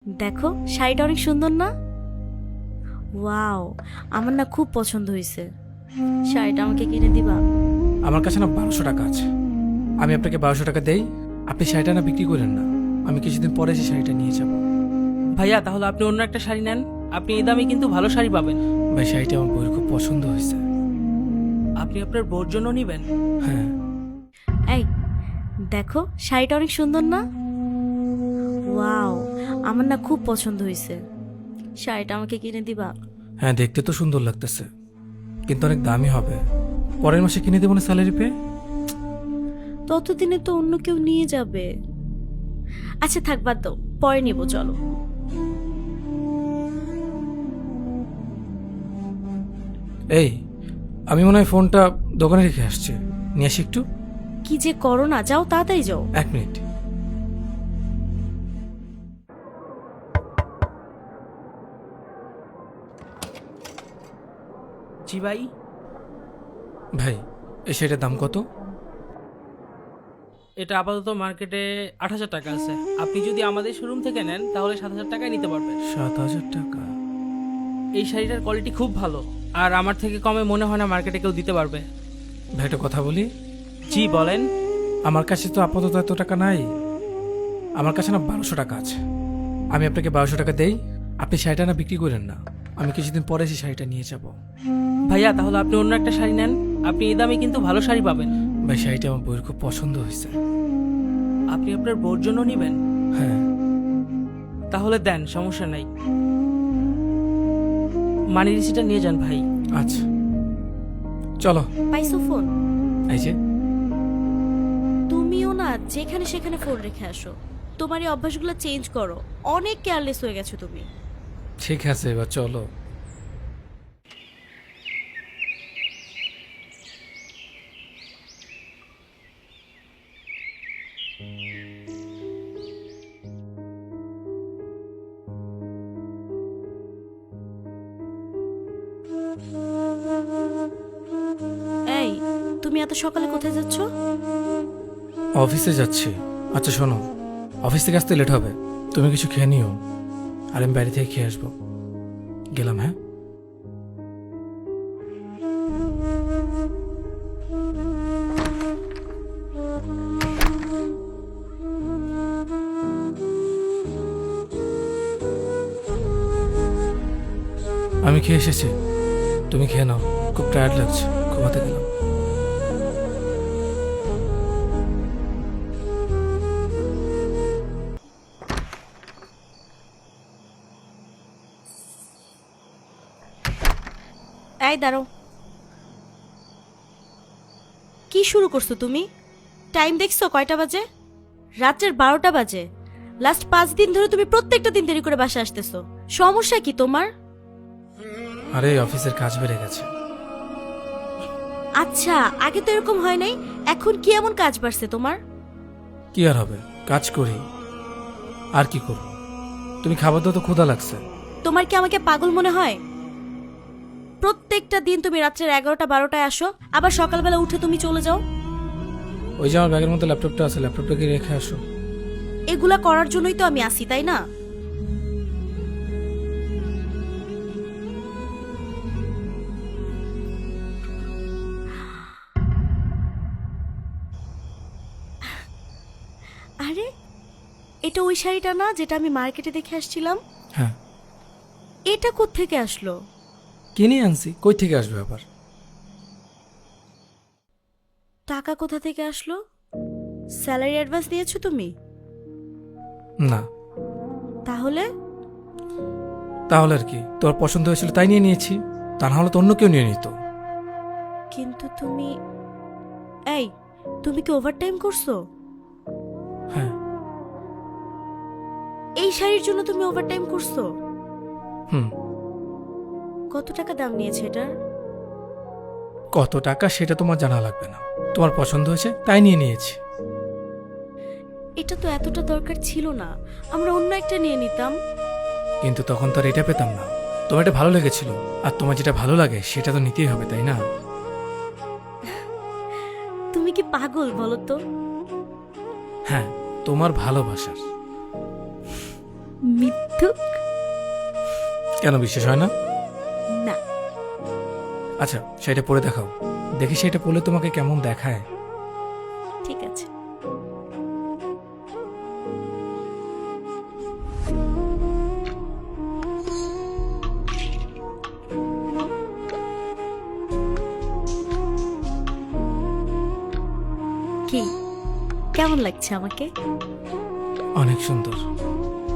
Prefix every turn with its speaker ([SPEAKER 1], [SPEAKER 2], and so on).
[SPEAKER 1] দেখো শাড়িটা অনেক সুন্দর না? ওয়াও, আমার না খুব পছন্দ হয়েছে। শাড়িটা আমাকে কিনে দিবা?
[SPEAKER 2] আমার কাছে না 1200 টাকা আছে। আমি আপনাকে 1200 টাকা দেই, আপনি শাড়িটা না বিক্রি করেন না। আমি কিছুদিন পরে এসে শাড়িটা নিয়ে যাব।
[SPEAKER 3] ভাইয়া তাহলে আপনি অন্য একটা শাড়ি নেন, আপনি এই দামে কিন্তু ভালো শাড়ি পাবেন।
[SPEAKER 2] ভাই শাড়িটা আমার বউয়ের খুব পছন্দ হয়েছে।
[SPEAKER 3] আপনি আপনার বোর জন্য নেবেন?
[SPEAKER 2] হ্যাঁ।
[SPEAKER 1] এই দেখো শাড়িটা অনেক সুন্দর না? ওয়াও, আমার না খুব পছন্দ হয়েছে। শাড়িটা আমাকে কিনে দিবা?
[SPEAKER 2] হ্যাঁ, দেখতে তো সুন্দর লাগতেছে, কিন্তু অনেক দামি হবে। পরের মাসে কিনে দেবো না স্যালারি পেয়ে।
[SPEAKER 1] ততদিনে তো অন্য কেউ নিয়ে যাবে। আচ্ছা থাক, বাদ দাও, পরে নেব, চলো।
[SPEAKER 2] এই, আমি মনে হয় ফোনটা দোকানে রেখে আসছি, নিয়ে আসি একটু।
[SPEAKER 1] কি যে করো না, যাও তাড়াতাড়ি যাও।
[SPEAKER 2] 1 মিনিট।
[SPEAKER 3] জি ভাই।
[SPEAKER 2] ভাই, এই শাড়িটার দাম কত?
[SPEAKER 3] এটা আপাতত মার্কেটে 8,000 টাকা আছে। আপনি যদি আমাদের শোরুম থেকে নেন তাহলে 7,000 টাকায় নিতে পারবেন।
[SPEAKER 2] 7,000 টাকা?
[SPEAKER 3] এই শাড়িটার কোয়ালিটি খুব ভালো, আর আমার থেকে কমে মনে হয় না মার্কেটে কেউ দিতে পারবে।
[SPEAKER 2] ভাই একটা কথা বলি।
[SPEAKER 3] জি বলেন।
[SPEAKER 2] আমার কাছে তো আপাতত এত টাকা নাই। আমার কাছে না 1200 টাকা আছে। আমি আপনাকে 1200 টাকা দেই, আপনি শাড়িটা না বিক্রি করেন না। আমি কিছুদিন পরে এসে শাড়িটা নিয়ে যাব।
[SPEAKER 3] ভাইয়া তাহলে আপনি অন্য একটা শাড়ি নেন, আপনি এই দামে কিন্তু ভালো শাড়ি পাবেন।
[SPEAKER 2] ভাই শাড়িটা আমার বউয়ের খুব পছন্দ হয়েছে।
[SPEAKER 3] আপনি আপনার বোর জন্য নেবেন?
[SPEAKER 2] হ্যাঁ।
[SPEAKER 3] তাহলে দেন, সমস্যা নাই। মানি রিসিটটা নিয়ে যান ভাই।
[SPEAKER 2] আচ্ছা, চলো।
[SPEAKER 1] পাইছো ফোন?
[SPEAKER 2] এই যে।
[SPEAKER 1] তুমিও না যেখানে সেখানে ফোন রেখে আসো। তোমার এই অভ্যাসগুলো চেঞ্জ করো, অনেক কেয়ারলেস হয়ে গেছো তুমি।
[SPEAKER 2] ঠিক আছে, এবার চলো।
[SPEAKER 1] এই, তুমি এত সকালে কোথায় যাচ্ছ?
[SPEAKER 2] অফিসে যাচ্ছি। আচ্ছা শোনো, অফিস থেকে আসতে লেট হবে, তুমি কিছু খেয়ে নিও, আর আমি বাইরে থেকে খেয়ে আসবো। গেলাম, হ্যাঁ। আমি খেয়ে এসেছি, তুমি খেয়ে নাও। খুব টায়ার্ড লাগছে, ঘুমাতে গেলাম।
[SPEAKER 1] এই দাঁড়াও, কি শুরু করছো তুমি? টাইম দেখছো কয়টা বাজে? রাত্রের 12টা বাজে। লাস্ট 5 দিন ধরে তুমি প্রত্যেকটা দিন দেরি করে বাসা আসতেছো। সমস্যা কি তোমার?
[SPEAKER 2] আরে অফিসের কাজ বেড়ে গেছে।
[SPEAKER 1] আচ্ছা, আগে তো এরকম হয় নাই, এখন কি এমন কাজ বাড়ছে তোমার?
[SPEAKER 2] কি আর হবে, কাজ করি, আর কি করব। তুমি খাবার দাও তো, ক্ষুধা লাগছে।
[SPEAKER 1] তোমার কি আমাকে পাগল মনে হয়? প্রত্যেকটা দিন তুমি রাত্রের 11টা 12টায় আসো, আবার সকালবেলা উঠে তুমি চলে যাও।
[SPEAKER 2] ওই যে আমার ব্যাগের মধ্যে ল্যাপটপটা আছে, ল্যাপটপটাকে রেখে আসো।
[SPEAKER 1] এগুলা করার জন্যই তো আমি আসি, তাই না? আরে, এটা ওই শাড়িটা না যেটা আমি মার্কেটে দেখে আসছিলাম?
[SPEAKER 2] হ্যাঁ।
[SPEAKER 1] এটা কোত্থেকে আসলো?
[SPEAKER 2] কিনে আনছি, কই থেকে আসবে আবার?
[SPEAKER 1] টাকা কোথা থেকে আসলো? স্যালারি অ্যাডভান্স দিয়েছো তুমি?
[SPEAKER 2] না।
[SPEAKER 1] তাহলে?
[SPEAKER 2] তাহলে আর কি, তোর পছন্দ হয়েছিল তাই নিয়ে নিয়েছি, তা না হলে তো অন্য কেউ নিয়ে নিত।
[SPEAKER 1] কিন্তু তুমি, এই, তুমি কি ওভারটাইম করছো?
[SPEAKER 2] হ্যাঁ।
[SPEAKER 1] এই শাড়ির জন্য তুমি ওভারটাইম করছো?
[SPEAKER 2] হুম।
[SPEAKER 1] কত টাকা দাম নিয়েছে এটার?
[SPEAKER 2] কত টাকা সেটা তোমার জানা লাগবে না, তোমার পছন্দ হয়েছে তাই নিয়ে নিয়েছি।
[SPEAKER 1] এটা তো এতটা দরকার ছিল না, আমরা অন্য একটা নিয়ে নিতাম।
[SPEAKER 2] কিন্তু তখন তো আর এটা পেতাম না। তোমার এটা ভালো লেগেছিল, আর তোমার যেটা ভালো লাগে সেটা তো নিতেই হবে, তাই না?
[SPEAKER 1] তুমি কি পাগল বলো তো?
[SPEAKER 2] হ্যাঁ, তোমার ভালোবাসার।
[SPEAKER 1] মিথ্যা ধুক।
[SPEAKER 2] কেন বিশ্বাস হয় না?
[SPEAKER 1] না,
[SPEAKER 2] আচ্ছা শাড়িটা পরে দেখাও, দেখি শাড়িটা পরলে তোমাকে কেমন দেখায়।
[SPEAKER 1] ঠিক আছে। কি কেমন লাগছে আমাকে?
[SPEAKER 2] অনেক সুন্দর।